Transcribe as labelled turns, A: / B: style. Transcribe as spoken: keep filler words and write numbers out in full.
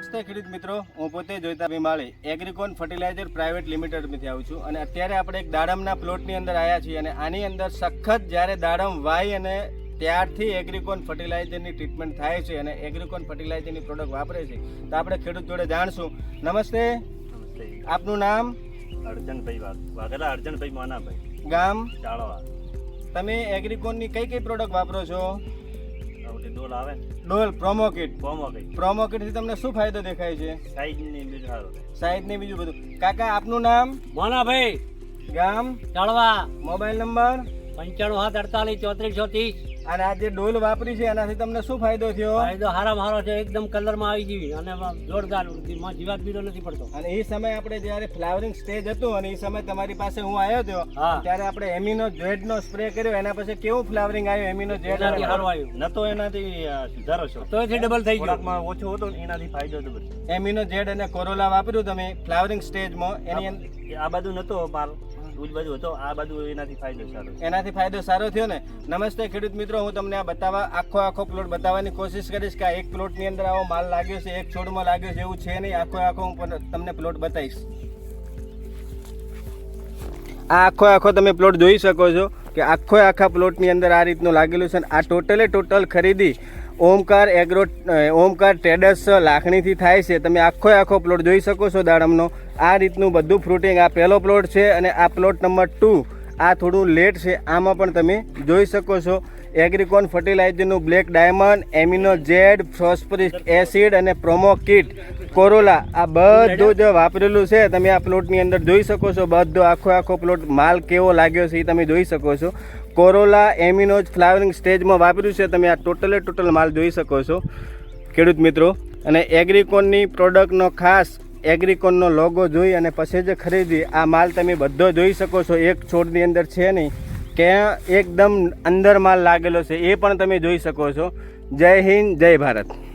A: નમસ્તે ખેડૂત મિત્રો, હું પોતે જોઈતા ભીમાળી એગ્રીકોન ફર્ટિલાઇઝર પ્રાઇવેટ લિમિટેડમાંથી આવું છું અને અત્યારે આપણે એક દાડમના પ્લોટની અંદર આવ્યા છીએ અને આની અંદર સખત જ્યારે દાડમ વાય અને ત્યારથી એગ્રીકોન ફર્ટિલાઇઝરની ટ્રીટમેન્ટ થાય છે અને એગ્રીકોન ફર્ટિલાઇઝરની પ્રોડક્ટ વાપરે છે તો આપણે ખેડૂત જોડે જાણશું. નમસ્તે,
B: નમસ્તે.
A: આપનું નામ?
B: અર્જનભાઈ વાઘેલા અર્જનભાઈ મોનાભાઈ,
A: ગામ?
B: ચાળવા.
A: તમે એગ્રીકોનની કઈ કઈ પ્રોડક્ટ વાપરો છો?
B: ડોલ આવે ને
A: ડોલ, પ્રોમોકિટ.
B: પ્રોમોકિટ
A: પ્રોમોકિટથી તમને શું ફાયદો દેખાય છે?
B: સાઈઝ ની બીજું સારું
A: સાઈઝ ને બીજું બધું. કાકા આપનું નામ?
C: મોનાભાઈ,
A: ગામ?
C: ચાળવા.
A: Mobile number?
C: પંચાણું સાત અડતાલીસ ચોત્રીસ સો ત્રીસ.
A: અને આ જે ડોલ વાપરી છે એનાથી તમને શું ફાયદો થયો?
C: ફાયદો હારામાં હારો છે, એકદમ કલરમાં આવી ગઈ અને જોરદાર જીવાત બીજો નથી પડતો.
A: અને એ સમય આપણે જ્યારે ફ્લાવરિંગ સ્ટેજ હતું અને એ સમય તમારી પાસે હું આવ્યો હતો
C: હા.
A: ત્યારે આપણે એમિનો જેડ નો સ્પ્રે કર્યો, એના પછી કેવું ફ્લાવરિંગ આવ્યું? એમિનો જેડ
C: એનાથી સારું આવ્યું.
B: નતો એનાથી અ, સુધારો છો
C: તો એથી ડબલ થઈ ગયો.
B: ખોરાકમાં ઓછો હતો ને એનાથી ફાયદો હતો બધો.
A: એમિનો જેડ અને કોરોલા વાપર્યું તમે ફ્લાવરિંગ સ્ટેજમાં, એની અંદર
B: આ બાજુ નતો માલ, ઉજ બાજુ હતો, આ બાજુ એનાથી ફાયદો સારો છે.
A: એનાથી ફાયદો સારો થયો ને. નમસ્તે ખેડૂત મિત્રો, હું તમને આ બતાવવા આખો આખો પ્લોટ બતાવવાની કોશિશ કરીશ કે આ એક પ્લોટની અંદર આવો માલ લાગ્યો છે, એક છોડમાં લાગ્યો છે એવું છે નહીં. આખો આખો હું પણ તમને પ્લોટ બતાવીશ. આ આખો આખો તમે પ્લોટ જોઈ શકો છો કે આખો આખા પ્લોટની અંદર આ રીતનું લાગેલું છે. આ ટોટલે ટોટલ ખરીદી ઓમકાર એગ્રો ઓમકાર ટ્રેડર્સ લાખણીથી થાય છે. તમે આખો આખો પ્લોટ જોઈ શકો છો દાડમનો. આ રીતનું બધું ફ્રૂટિંગ. આ પહેલો પ્લોટ છે અને આ પ્લોટ નંબર ટુ આ થોડું લેટ છે. આમાં પણ તમે જોઈ શકો છો એગ્રીકોન ફર્ટિલાઇઝરનું black diamond, amino jade, phosphoric acid અને પ્રોમો કિટ, કોરોલા આ બધું જ વાપરેલું છે. તમે આ પ્લોટની અંદર જોઈ શકો છો. બધો આખો આખો પ્લોટ માલ કેવો લાગ્યો છે એ તમે જોઈ શકો છો. કોરોલા એમિનોજ ફ્લાવરિંગ સ્ટેજમાં વાપર્યું છે. તમે આ ટોટલે ટોટલ માલ જોઈ શકો છો ખેડૂત મિત્રો. અને એગ્રીકોનની પ્રોડક્ટનો ખાસ એગ્રીકોનનો લોગો જોઈ અને પછી જ ખરીદી. આ માલ તમે બધો જોઈ શકો છો. એક છોડની અંદર છે નહીં કે એકદમ અંદર માલ લાગેલો છે એ પણ તમે જોઈ શકો છો. જય હિન્દ, જય ભારત.